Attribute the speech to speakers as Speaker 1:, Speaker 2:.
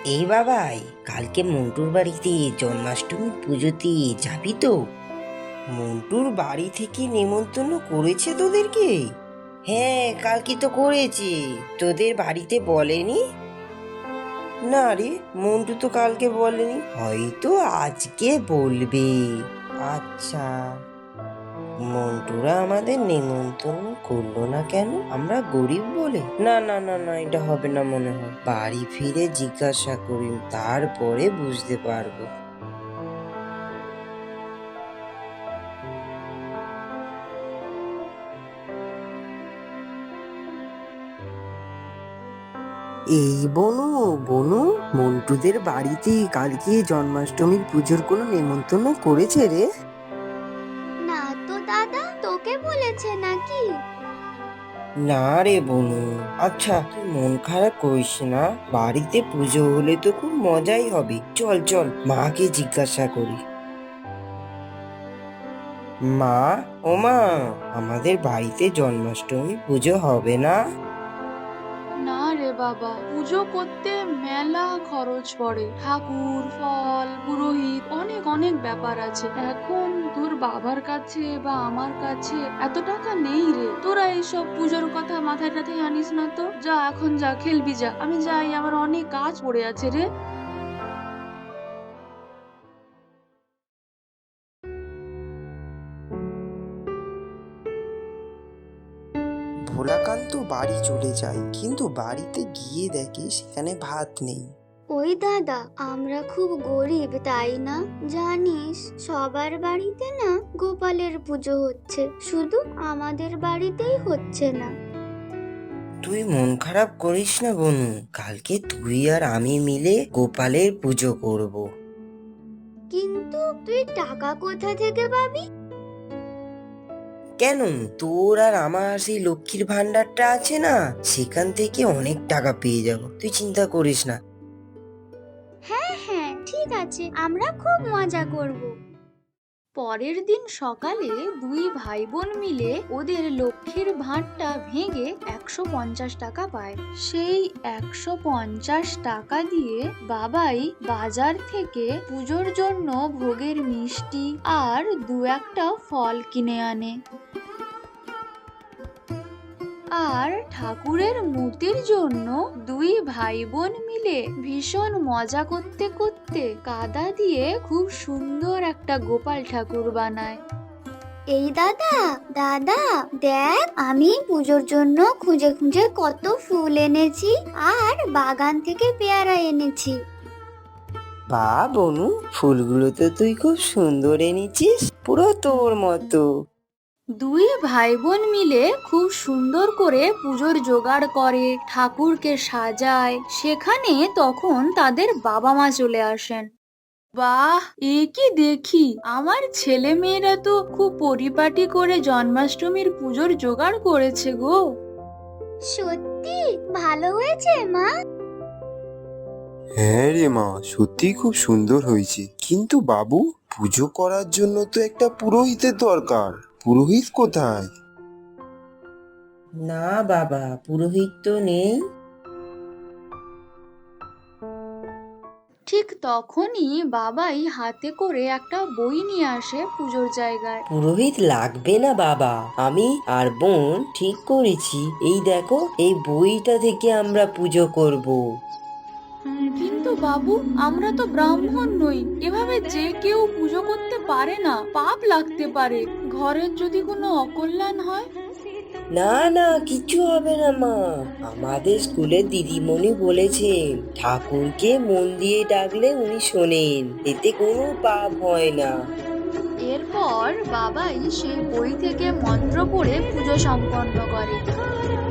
Speaker 1: এই বাবাই, কালকে মন্টুর বাড়িতে জন্মাষ্টমী পুজোতে যাবি তো? মন্টুর বাড়ি থেকে নেমন্তন্ন করেছে তোদেরকে? হ্যাঁ, কালকে তো করেছে। তোদের বাড়িতে বলেনি? না রে, মন্টু তো কালকে বলেনি, হয়তো আজকে বলবে। আচ্ছা, মন্টুরা আমাদের নেমন্তন্ন করলো না কেন? আমরা গরিব বলে? না না না না, এটা হবে না মনে হয়। বাড়ি ফিরে জিজ্ঞাসা করি, তারপরে বুঝতে পারবো। এই বনু, বনু, মন্টুদের বাড়িতে কালকে জন্মাষ্টমীর পুজোর কোনো নেমন্তন্ন করেছে রে?
Speaker 2: না তো দাদা, তোকে বলেছে নাকি?
Speaker 1: না রে বনু। আচ্ছা, তুই মন খারাপ করিস না, বাড়িতে পুজো হলে তো খুব মজাই হবে। চল চল, মাকে জিজ্ঞাসা করি। মা, ও মা, আমাদের বাড়িতে জন্মাষ্টমী পুজো হবে না?
Speaker 3: না রে বাবা, পুজো করতে মেলা খরচ পড়ে। ঠাকুর, ফল, পুরোহিত, অনেক অনেক ব্যাপার আছে। এখন তোর বাবার কাছে বা আমার কাছে এত টাকা নেই রে। তোরা এইসব পুজোর কথা মাথায় টাথায় আনিস না তো। যা, এখন যা, খেলবি যা। আমি যাই, আমার অনেক কাজ পড়ে আছে রে।
Speaker 1: ভোলাকান্ত বাড়ি চলে যায়, কিন্তু বাড়িতে গিয়ে দেখে সেখানে ভাত নেই।
Speaker 2: ওই দাদা, আমরা খুব গরিব তাই না? জানিস, সবার বাড়িতে না গোপালের পুজো হচ্ছে, শুধু আমাদের বাড়িতেই হচ্ছে না।
Speaker 1: তুই মন খারাপ করিস না বনু, কালকে তুই আর আমি মিলে গোপালের পুজো করব।
Speaker 2: কিন্তু তুই টাকা কোথা থেকে পাবি?
Speaker 1: কেন, তোর আর আমার সেই লক্ষ্মীর ভান্ডারটা আছে না, সেখান থেকে অনেক টাকা পেয়ে যাব, তুই চিন্তা করিস না।
Speaker 2: হ্যাঁ হ্যাঁ, ঠিক আছে, আমরা খুব মজা করব।
Speaker 3: পরের দিন সকালে দুই ভাই বোন মিলে ওদের লক্ষ্মীর ভাঁড়টা ভেঙে 150 টাকা পায়। সেই 150 টাকা দিয়ে বাবাই বাজার থেকে পুজোর জন্য ভোগের মিষ্টি আর দু একটা ফল কিনে আনে। আর ঠাকুরের মূর্তির জন্য দুই ভাই বোন মিলে ভীষণ মজা করতে করতে কাদা দিয়ে খুব সুন্দর একটা গোপাল ঠাকুর বানায়।
Speaker 2: এই দাদা, দাদা দেখ, আমি পুজোর জন্য খুঁজে খুঁজে কত ফুল এনেছি আর বাগান থেকে পেয়ারা এনেছি।
Speaker 1: বা বনু, ফুলগুলো তো তুই খুব সুন্দর এনেছিস, পুরো তোর মতো।
Speaker 3: দুই ভাই বোন মিলে খুব সুন্দর করে পুজোর জোগাড় করে, ঠাকুরকে সাজায়। সেখানে তখন তাদের বাবা মা চলে আসেন। বাহ, এ কি দেখি! আমার ছেলে মেয়েরা তো খুব পরিপাটি করে জন্মাষ্টমীর পুজোর জোগাড় করেছে গো।
Speaker 2: সত্যি ভালো হয়েছে মা?
Speaker 4: হ্যাঁ রে মা, সত্যি খুব সুন্দর হয়েছে। কিন্তু বাবু, পুজো করার জন্য তো একটা পুরোহিতের দরকার। পুরোহিত কোথায়?
Speaker 1: না বাবা, পুরোহিত তো নেই।
Speaker 3: ঠিক তখনই বাবাই হাতে করে একটা বই নিয়ে আসে পুজোর জায়গায়।
Speaker 1: পুরোহিত লাগবে না বাবা, আমি আর বোন ঠিক করেছি। এই দেখো, এই বইটা থেকে আমরা পুজো করব।
Speaker 3: কিন্তু বাবু, আমরা তো ব্রাহ্মণ নই, এভাবে যে কেউ পুজো করতে পারে না, পাপ লাগতে পারে। ঘরের যদি কোনো অকল্যাণ হয়?
Speaker 1: না না, কিছু হবে না মা, আমাদের স্কুলের দিদিমণি বলেছেন ঠাকুরকে মন দিয়ে ডাকলে উনি শোনেন, এতে কোনো পাপ হয় না।
Speaker 3: এরপর বাবাই সেই বই থেকে মন্ত্র পড়ে পুজো সম্পন্ন করে।